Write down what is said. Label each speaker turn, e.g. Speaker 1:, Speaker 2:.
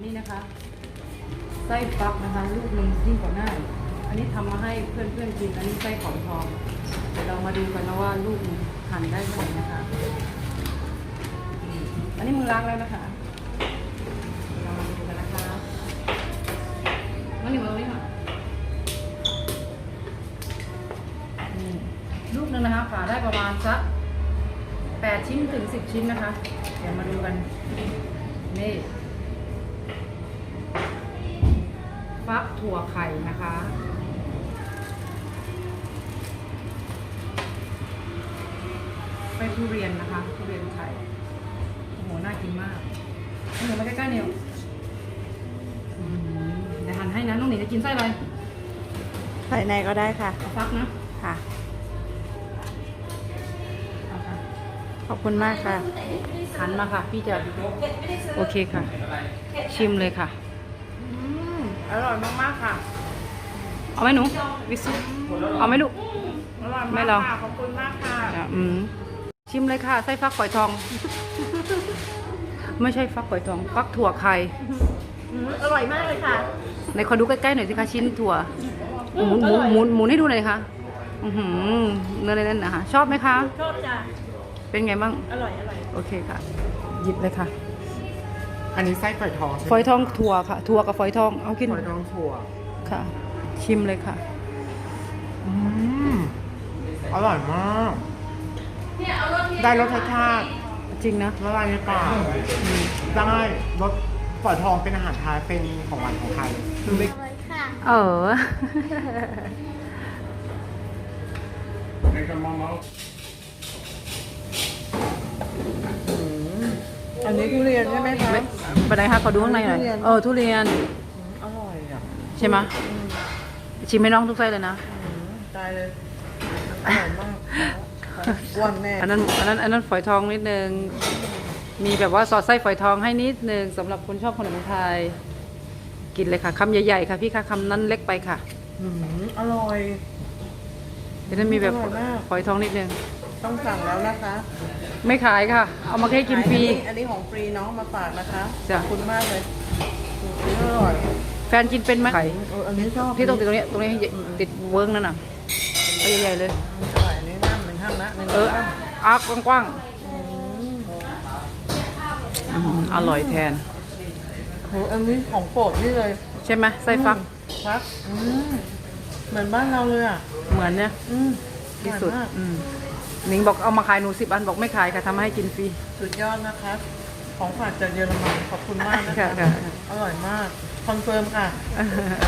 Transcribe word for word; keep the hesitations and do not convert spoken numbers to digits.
Speaker 1: นี่นะคะไส้ฟักนะคะลูกหนึ่งยิ่งกว่าหน้าอันนี้ทำมาให้เพื่อนเพื่อนกินอันนี้ไส้ขอนทองเดี๋ยวเรามาดูกันนะว่าลูกหั่นได้เท่าไหร่นะคะอันนี้มือล้างแล้วนะคะเรามาดูกันนะคะน้องหนิวเอาไว้ค่ะลูกนึงนะคะฝาได้ประมาณสักแปดชิ้นถึงสิบชิ้นนะคะเดี๋ยวมาดูกันนี่ฟักถั่วไข่นะคะไปทุเรียนนะคะทุเรียนไข่โอ้โหน่ากินมากเอาหนูมาใกล้ๆเนี่ยเดี๋ยวหั่นให้นะน้องหนิงจะกินไส้อะไร
Speaker 2: ใส่ในก็ได้ค่ะ
Speaker 1: เอาฟักนะ
Speaker 2: ค่ะ
Speaker 1: เอาค่ะ
Speaker 2: ขอบคุณมากค่ะ
Speaker 1: หันมาค่ะพี่จะโอเคค่ะ ชิมเลยค่ะ
Speaker 2: อร่อยมากๆค่ะ
Speaker 1: เอาไหมหนูวิสุเอาไหมลูก
Speaker 2: อร่อย
Speaker 1: ไม่
Speaker 2: มาก
Speaker 1: ลอง
Speaker 2: ค่ะ ขอบคุณมากค่ะ
Speaker 1: อ่ะอืมชิมเลยค่ะไส้ฟักฝอยทอง ไม่ใช่ฟักฝอยทอง ฟักถั่วไข่
Speaker 2: อร่อยมากเลยค่ะ
Speaker 1: ในขอดูใกล้ๆหน่อยสิคะชิ้นถั่วหมุนหมุนหมุนหมุนให้ดูหน่อยค่ะอือหือเนื้อแน่นๆนะคะชอบไหมคะ
Speaker 2: ชอบจ้ะ
Speaker 1: เป็นไงบ้าง
Speaker 2: อร่อย อร่อย
Speaker 1: โอเคค่ะ หยิบเลยค่ะ
Speaker 3: อันนี้ไส้ฝอยทองใช่ไหม
Speaker 1: ฝอยทองถั่วค่ะ ถั่วกับฝอยทองเอากิน
Speaker 3: ฝอยทองถั่ว
Speaker 1: ค่ะ ชิมเลยค่ะ
Speaker 3: อืมอร่อยมาก ได้รสชาติ
Speaker 1: จริงนะ
Speaker 3: ละลายในปากได้รสฝอยทองเป็นอาหารไทยเป็นของหวานของไทยคือไม่
Speaker 1: เออ
Speaker 2: อันนี้ทุเรียนใช่ไหมคะ
Speaker 1: ไปไหนคะขอดูข้างในหน่อย
Speaker 2: ทุเรียน
Speaker 1: เออทุเรียน
Speaker 2: อร่อยอ่ะ
Speaker 1: ใช่ไหมชิมให้น้องทุกไส้เลยนะ
Speaker 2: ตายเลย อร่อยมากอ้วนแน่
Speaker 1: อันนั้นอันนั้นอันนั้นฝอยทองนิดนึง มีแบบว่าสอดไส้ฝอยทองให้นิดนึงสำหรับคนชอบขนมไทย กินเลยค่ะคำใหญ่ๆค่ะพี่ค่ะคำนั้นเล็กไปค่ะ
Speaker 2: อืมอร่อย
Speaker 1: เดี๋ยวนั้นมีแบบ
Speaker 2: อร่อยมาก
Speaker 1: ฝอยทองนิดนึง
Speaker 2: ต้องสั่งแล้วนะคะ
Speaker 1: ไม่ขายค่ะ เอามาให้กินฟรี
Speaker 2: อัอันนี้ของฟรีน้องมาฝากนะคะ
Speaker 1: จ้ะ
Speaker 2: ขอบคุณมากเลยอันนี้อร่อย
Speaker 1: แฟนกินเป็นไหมไข่
Speaker 2: เอออันนี้ชอบ
Speaker 1: ที่ตรงติดตรงนี้ตรงนี้ติดเวิร์กนั่นน่ะเอาใหญ่ๆเลย
Speaker 2: อร่อยอันนี้น้ำหนึ่งห้ามนะหนึ่ง
Speaker 1: เออ
Speaker 2: ห้าม
Speaker 1: อาร์กกว้าง
Speaker 2: อืม
Speaker 1: ๆอืมอร่อยแทน
Speaker 2: โหอันนี้ของโปรดนี่เลย
Speaker 1: ใช่ไหมไส้ฟัก
Speaker 2: ฟักอืมเหมือนบ้านเราเลยอ่ะ
Speaker 1: เหมือนเนี่ย
Speaker 2: อืม
Speaker 1: ที่สุด
Speaker 2: อร่อยมาก
Speaker 1: อืมหนิงบอกเอามาขายหนูสิบอันบอกไม่ขายค่ะทำให้กินฟรี
Speaker 2: สุดยอดนะคะ ของฝากจากเยอรมันขอบคุณมากนะ
Speaker 1: ค่ะ
Speaker 2: คะ
Speaker 1: ค่ะ
Speaker 2: อร่อยมาก คอนเฟิร์มค่ะ